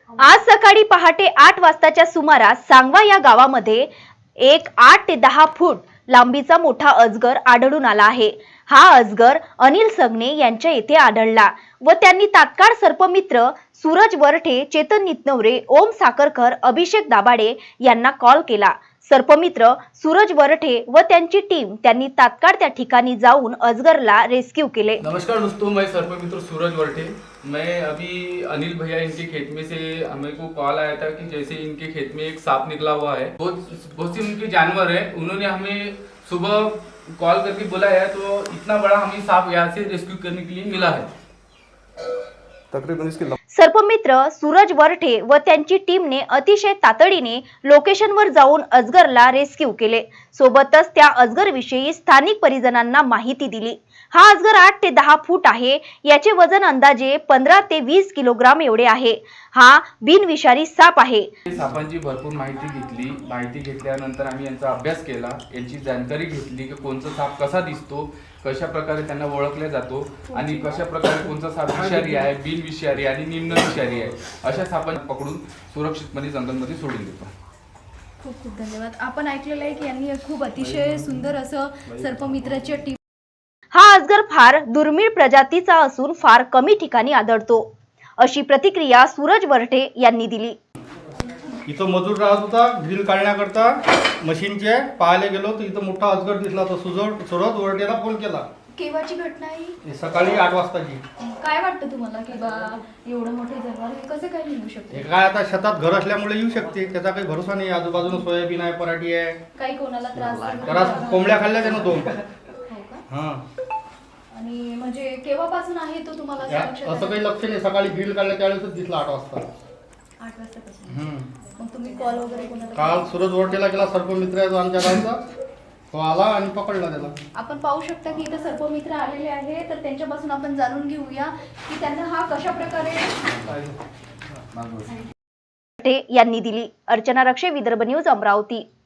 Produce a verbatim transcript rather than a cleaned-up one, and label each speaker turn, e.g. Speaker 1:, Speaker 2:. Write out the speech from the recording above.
Speaker 1: आज सकाळी पहाटे आठ वाजताच्या सुमारास सांगवा या गावामध्ये एक आठ ते दहा फूट लांबीचा मोठा अजगर आढळून आला आहे। हा अजगर अनिल सगने यांच्या येथे आढळला व त्यांनी तात्काळ सर्पमित्र सूरज वरठे, चेतन नितनवरे, ओम साखरकर, अभिषेक दाभाडे यांना कॉल केला। सर्पमित्र सूरज वरठे व त्यांची टीम त्यांनी तात्काळ त्या ठिकाणी जाऊन अजगरला रेस्क्यू केले।
Speaker 2: नमस्कार दोस्तों, मैं सर्पमित्र सूरज वरठे। मैं अभी अनिल भैया इनके खेत में से हमें को कॉल आया था कि जैसे इनके खेत में एक सांप निकला हुआ है। बहुत बहुत सी उनके जानवर है। उन्होंने हमें सुबह कॉल करके बोला है, तो इतना बड़ा हमें सांप यहाँ से रेस्क्यू करने के लिए मिला है।
Speaker 3: तकरीबन इसके
Speaker 1: सर्पमित्र सूरज वरठे व त्यांची टीमने अतिशय तातडीने लोकेशनवर जाऊन अजगरला रेस्क्यू केले। सोबतच त्या अजगर विषयी स्थानिक परिजनांना माहिती दिली। हा अजगर आठ ते दहा फूट आहे। याचे वजन अंदाजे पंधरा ते वीस किलोग्राम एवढे आहे। हा बिनविषारी साप आहे।
Speaker 2: सापांची भरपूर माहिती घेतली। माहिती घेतल्यानंतर आम्ही यांचा अभ्यास केला, यांची जानकारी घेतली की कोणता साप कसा दिसतो, कशा प्रकारे त्यांना ओळखले जातो आणि कशा प्रकारे कोणता साप विषारी आहे, बिनविषारी आणि निम्न विषारी आहे, अशा सापांना पकडून सुरक्षितपणे जंगलमध्ये सोडून देतो।
Speaker 4: खूप खूप धन्यवाद। आपण ऐकलेलं आहे की यांनी खूप अतिशय सुंदर असं सर्पमित्राची टीम।
Speaker 1: हा अजगर फार दुर्मिळ प्रजातीचा असून फार कमी ठिकाणी आढळतो, अशी प्रतिक्रिया सूरज वरठे यांनी दिली।
Speaker 5: इथं मजूर राहत होता, ग्रिल काढण्याकरता मशीनचे पाहायला गेलो तर इथं मोठा अजगर दिसला। तर सुजड सूरज वरठेला फोन केला।
Speaker 4: केव्हाची घटना आहे?
Speaker 5: सकाळी आठ वाजताची।
Speaker 4: काय वाटतं तुम्हाला की बा एवढं मोठे जनावर हे कसं काय निघू शकते?
Speaker 5: हे काय आता शेतात घर असल्यामुळे येऊ शकते, त्याचा काही भरोसा नाही। आजूबाजूला सोयाबीन आहे, पराठी आहे।
Speaker 4: काही कोणाला त्रास
Speaker 5: त्रास कोंबड्या खाल्ल्या त्यानं दोन।
Speaker 4: हो का?
Speaker 5: हां,
Speaker 4: आणि म्हणजे केव्हापासून आहे तो तुम्हाला असं लक्षात
Speaker 5: असं
Speaker 4: आलं?
Speaker 5: काही लक्ष नाही। सकाळी ग्रिल काढल्या त्यावेळेसच दिसला आठ वाजता।
Speaker 4: आठ वाजतापासून
Speaker 5: हम्म,
Speaker 4: मग तुम्ही कॉल वगैरे कोणाला
Speaker 5: काल सूरज वरठेला गेला, सर्पमित्र आहे तो आमच्या गावचा, तो आला आणि पकडला त्याला।
Speaker 4: आपण पाहू शकता की इथं सर्पमित्र आलेले आहे, तर त्यांच्यापासून आपण जाणून घेऊया की त्यांना हा कशा प्रकारे
Speaker 1: यांनी दिली। अर्चना रक्षे, विदर्भ न्यूज, अमरावती।